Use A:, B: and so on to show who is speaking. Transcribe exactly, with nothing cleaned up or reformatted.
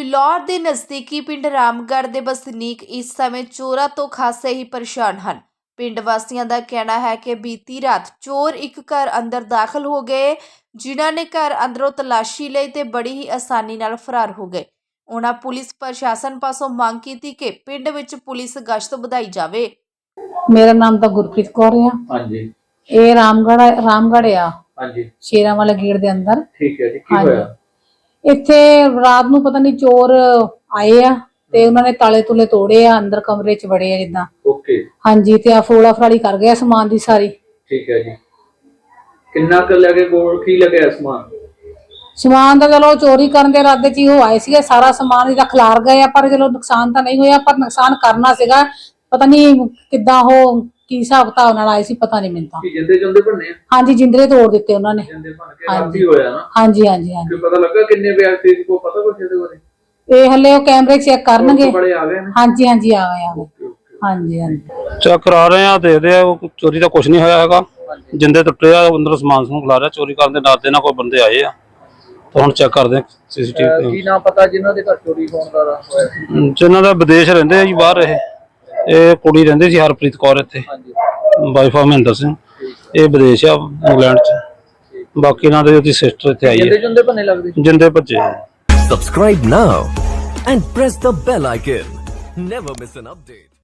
A: ਫਿਲੌਰ ਦੇ ਨਜ਼ਦੀਕੀ ਪਿੰਡ ਰਾਮਗੜ੍ਹ ਦੇ ਵਸਨੀਕ ਇਸ ਸਮੇਂ ਚੋਰਾਂ ਤੋਂ ਖਾਸੇ ਹੀ ਪਰੇਸ਼ਾਨ ਹਨ। ਪਿੰਡ ਵਾਸੀਆਂ ਦਾ ਕਹਿਣਾ ਹੈ ਕਿ ਬੀਤੀ ਰਾਤ ਚੋਰ ਇੱਕ ਘਰ ਅੰਦਰ ਦਾਖਲ ਹੋ ਗਏ, ਜਿਨ੍ਹਾਂ ਨੇ ਘਰ ਅੰਦਰੋਂ ਤਲਾਸ਼ੀ ਲਈ ਤੇ ਬੜੀ ਹੀ ਆਸਾਨੀ ਨਾਲ ਫਰਾਰ ਹੋ ਗਏ। ਉਹਨਾਂ ਪੁਲਿਸ ਪ੍ਰਸ਼ਾਸਨ ਪਾਸੋਂ ਮੰਗ ਕੀਤੀ ਕਿ ਪਿੰਡ ਵਿੱਚ ਪੁਲਿਸ ਗਸ਼ਤ ਵਧਾਈ ਜਾਵੇ।
B: ਮੇਰਾ ਨਾਮ ਤਾਂ ਗੁਰਪ੍ਰੀਤ ਕੌਰ ਆ। ਹਾਂਜੀ। ਇਹ ਰਾਮਗੜ੍ਹ ਰਾਮਗੜ੍ਹ ਆ। ਹਾਂਜੀ। ਸ਼ੇਰਾਂ ਵਾਲੇ ਗੇਟ ਦੇ ਅੰਦਰ। ਠੀਕ ਹੈ ਜੀ। ਕੀ ਹੋਇਆ? ਇੱਥੇ ਰਾਤ ਨੂੰ ਪਤਾ ਨਹੀਂ ਚੋਰ ਆਏ ਆ ਤੇ ਉਹਨਾਂ ਨੇ ਤਾਲੇ ਤੁਲੇ ਤੋੜੇ ਆ, ਅੰਦਰ ਕਮਰੇ ਚ ਵੜੇ ਆ ਜਿੱਦਾਂ। ਓਕੇ। ਹਾਂਜੀ ਤੇ ਆ ਫੋੜਾ ਫਰਾੜੀ ਕਰ ਗਿਆ ਸਮਾਨ ਦੀ ਸਾਰੀ। ਠੀਕ ਹੈ ਜੀ। ਕਿੰਨਾ ਕੁ ਲੱਗੇ ਕੋਲ ਕੀ ਲੱਗਿਆ ਸਮਾਨ? ਸਮਾਨ ਤਾਂ ਚਲੋ ਚੋਰੀ ਕਰਨ ਦੇ ਇਰਾਦੇ ਚ ਹੀ ਉਹ ਆਏ ਸੀਗੇ, ਸਾਰਾ ਸਮਾਨ ਇਹਦਾ ਖਿਲਾਰ ਗਏ ਆ, ਪਰ ਚਲੋ ਨੁਕਸਾਨ ਤਾਂ ਨਹੀਂ ਹੋਇਆ, ਪਰ ਨੁਕਸਾਨ ਕਰਨਾ ਸੀਗਾ। ਪਤਾ ਨਹੀਂ ਕਿੱਦਾਂ ਉਹ ਕੀ ਹਿਸਾਬ ਕਿਤਾਬ ਨਾਲ ਆਏ ਸੀ, ਪਤਾ ਨਹੀਂ ਮੈਨੂੰ ਤਾਂ। ਜਿੰਦੇ ਜੁੰਦੇ ਭੰਨੇ? ਹਾਂਜੀ, ਜਿੰਦਰੇ ਤੋੜ ਦਿੱਤੇ ਉਹਨਾਂ ਨੇ। ਜਿੰਦੇ ਭੰਨ ਕੇ ਰਾਤੀ ਹੋਇਆ ਨਾ? ਹਾਂਜੀ ਹਾਂਜੀ ਹਾਂਜੀ। ਪਤਾ ਲੱਗਾ ਕਿੰਨੇ ਵਿਅਕਤੀ ਸੀ, ਕੋਈ ਪਤਾ ਕੁਛ ਇਹਦੇ ਬਾਰੇ? ਇਹ ਹਲੇ ਉਹ ਕੈਮਰੇ ਚੈੱਕ ਕਰਨਗੇ। ਬੜੇ ਆ ਗਏ ਨੇ? ਹਾਂਜੀ ਹਾਂਜੀ ਆ ਗਏ ਆ ਗਏ। ਹਾਂਜੀ ਹਾਂਜੀ
C: ਚੈੱਕ ਕਰਾ ਰਹੇ ਆ, ਦੇਖਦੇ ਆ। ਚੋਰੀ ਦਾ ਕੁਝ ਨਹੀਂ ਹੋਇਆ ਹੈਗਾ, ਜਿੰਦੇ ਟੁੱਟੇ ਆ, ਅੰਦਰ ਸਮਾਨ ਸਮੂਨ ਖਿਲਾ ਰਿਹਾ। ਚੋਰੀ ਕਰਨ ਦੇ ਡਰ ਦੇ ਨਾਲ ਕੋਈ ਬੰਦੇ ਆਏ ਆ, ਤਾਂ ਹੁਣ ਚੈੱਕ ਕਰਦੇ ਆ ਸੀਸੀਟੀਵੀ। ਕੀ ਨਾਮ ਪਤਾ ਜਿਨ੍ਹਾਂ ਦੇ ਘਰ ਚੋਰੀ ਹੋਣ ਦਾ ਹੋਇਆ? ਜਿਨ੍ਹਾਂ ਦਾ ਵਿਦੇਸ਼ ਰਹਿੰਦੇ ਆ ਜੀ, ਬਾਹਰ। ਇਹ ਇਹ ਕੁੜੀ ਰਹਿੰਦੀ ਸੀ ਹਰਪ੍ਰੀਤ ਕੌਰ, ਇੱਥੇ ਵਾਈਫ ਆ ਮਹਿੰਦਰ ਸਿੰਘ। ਇਹ ਵਿਦੇਸ਼ ਆ, ਇੰਗਲੈਂਡ ਚ। ਬਾਕੀ ਇਹਨਾਂ ਦੇ ਉਹਦੀ ਸਿਸਟਰ ਇੱਥੇ ਆਈ ਹੈ। ਜਿੰਦੇ ਭੰਨੇ ਲੱਗਦੇ, ਜਿੰਦੇ ਭੱਜੇ।
D: Subscribe now and press the bell icon. Never miss an update.